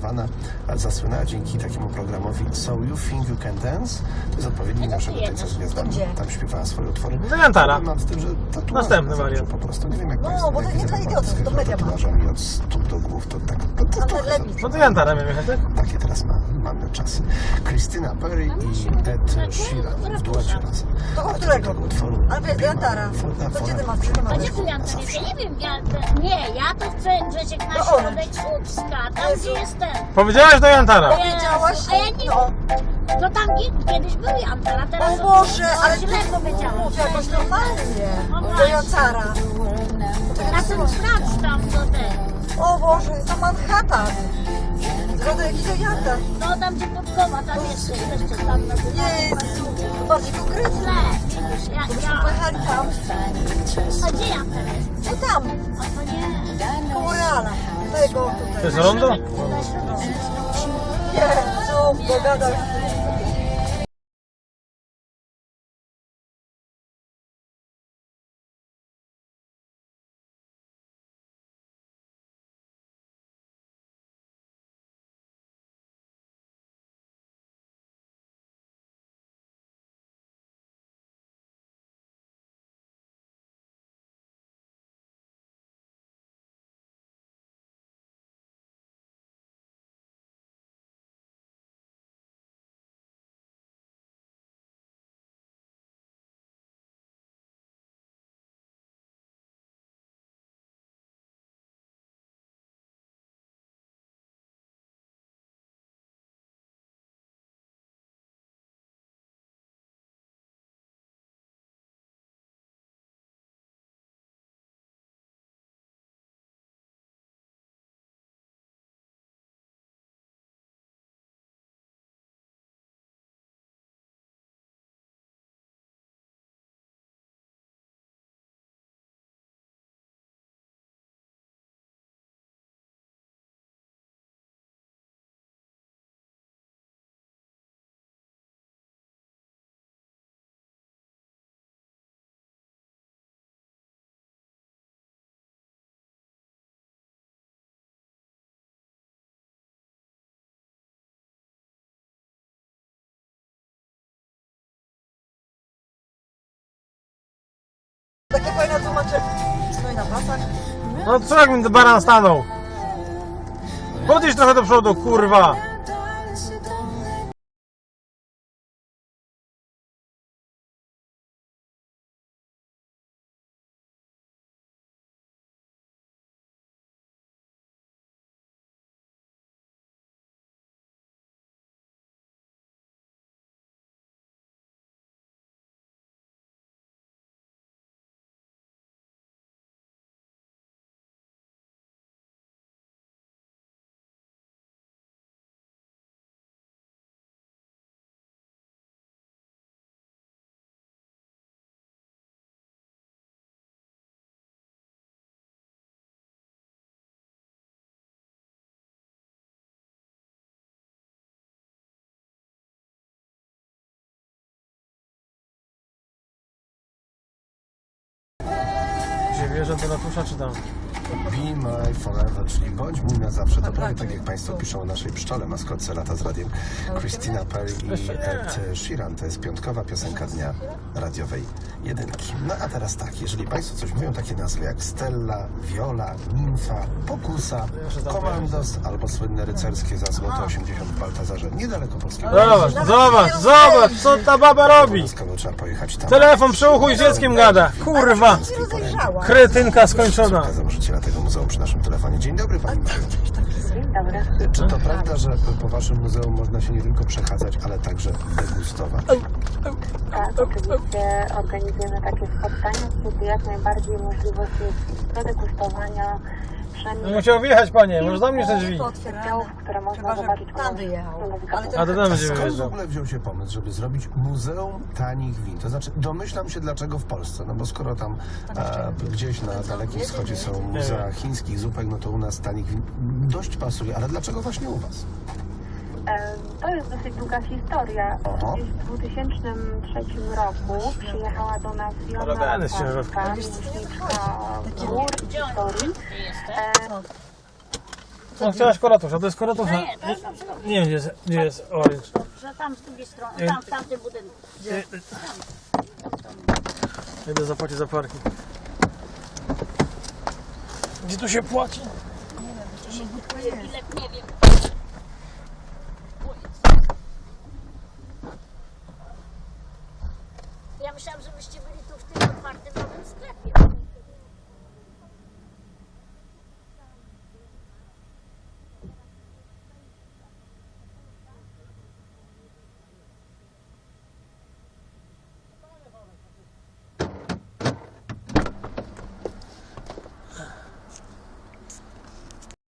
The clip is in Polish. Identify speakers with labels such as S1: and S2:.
S1: Nirvana zasłynęła dzięki takiemu programowi So You Think You Can Dance. To jest odpowiednik naszego Tańca z Gwiazdami. Tam śpiewała swoje utwory.
S2: Jantara.
S1: Mam z tym, że tatuaże
S2: Następny wariant.
S1: po prostu. Nie wiem jak
S3: No,
S1: Państwo,
S3: bo to
S1: jak
S3: nie
S1: widzę
S3: dla
S1: taką
S3: idiotów, to media ma.
S1: tatuażami od stóp do głów, to tak, to trochę za dużo.
S2: No to Jantara miałem jechać, tak?
S1: Takie teraz mamy czasy. Christina Perry i Ed Sheeran w duecie razem.
S3: To o
S1: A
S3: którego?
S1: tego utworu
S3: Ale wiesz, Jantara. To gdzie ty masz?
S4: A gdzie tu Jantar jest? Ja nie wiem, ja to chcę Grzesiek na
S3: No,
S4: środek Słupska, tam gdzie jest ten.
S2: Powiedziałaś do Jantara.
S3: Powiedziałaś?
S4: A ja nie
S3: No.
S4: No tam kiedyś był Jantar, a teraz...
S3: O Boże, ale
S4: źle powiedziałam.
S3: mów jakoś normalnie.
S4: No
S3: Do
S4: właśnie.
S3: Jantara.
S4: Na ten plac tam do ten.
S3: O Boże, to Manhattan. Zgoda jakiś Jantar.
S4: No tam gdzie Podkowa, tam jeszcze tam na tym.
S3: Jezu, to bardziej konkretnie.
S4: Źle, widzisz,
S3: Byśmy pojechali tam.
S4: A gdzie Jantar jest?
S3: No tam,
S4: A to nie.
S3: koło Reala. Tego
S2: To
S3: tutaj.
S2: jest rondo?
S4: Na środek.
S3: Jezu, pogadał. Takie fajne tłumaczenie. No i na pasach.
S2: No co jak mi baran stanął? Podjedź trochę do przodu, kurwa! Gdzie wierzę do ratusza czy tam?
S1: Be My Forever, czyli bądź mój na zawsze. To prawie tak jak Państwo piszą o naszej pszczole, maskotce Lata z Radiem. Christina Perry i Ed Sheeran. To jest piątkowa piosenka dnia radiowej jedynki. No a teraz tak, jeżeli Państwo coś mówią, takie nazwy jak Stella, Viola, Nimfa, Pokusa, Komandos albo słynne rycerskie za złote 80 w Baltazarze, niedaleko polskiego.
S2: Zobacz, co ta baba robi!
S1: Obowiązkowo trzeba pojechać tam.
S2: Telefon przy uchu i z dzieckiem gada. Kurwa!
S3: Nie rozejrzała.
S2: Kretynka skończona.
S1: Założyciela tego muzeum przy naszym telefonie. Dzień dobry Pani Mario.
S5: Dzień dobry.
S1: Czy to prawda, że po Waszym muzeum można się nie tylko przechadzać, ale także degustować?
S5: Tak, oczywiście organizujemy takie spotkania, kiedy jak najbardziej możliwość jest predegustowania
S2: No musiał wjechać, panie, może zamkniesz te drzwi.
S5: działów, które można zobaczyć
S3: Tam wyjechał. Ale
S2: A to tam będzie
S1: Skąd w
S2: wyjeżdżał.
S1: ogóle wziął się pomysł, żeby zrobić muzeum tanich win? To znaczy, domyślam się dlaczego w Polsce, no bo skoro tam gdzieś na Dalekim Wschodzie są muzea chińskich zupek, no to u nas tanich win dość pasuje, ale dlaczego właśnie u Was?
S5: To jest dosyć długa historia.
S1: Aha.
S5: Gdzieś w 2003 roku przyjechała do nas Jona
S2: Robiany z ciężarówki.
S5: Polska, miłośniczka gór i historii.
S2: No chciałaś koratusz, a to jest koratusz.
S4: Nie, to jest dobrze.
S2: Nie wiem gdzie jest orange.
S4: Że tam z drugiej strony, tam w tamtym budynku.
S2: Idę zapłacić za parking. Gdzie tu się płaci?
S4: Bilet nie wiem. Ja myślałam, że byście byli tu w tym otwartym nowym sklepie.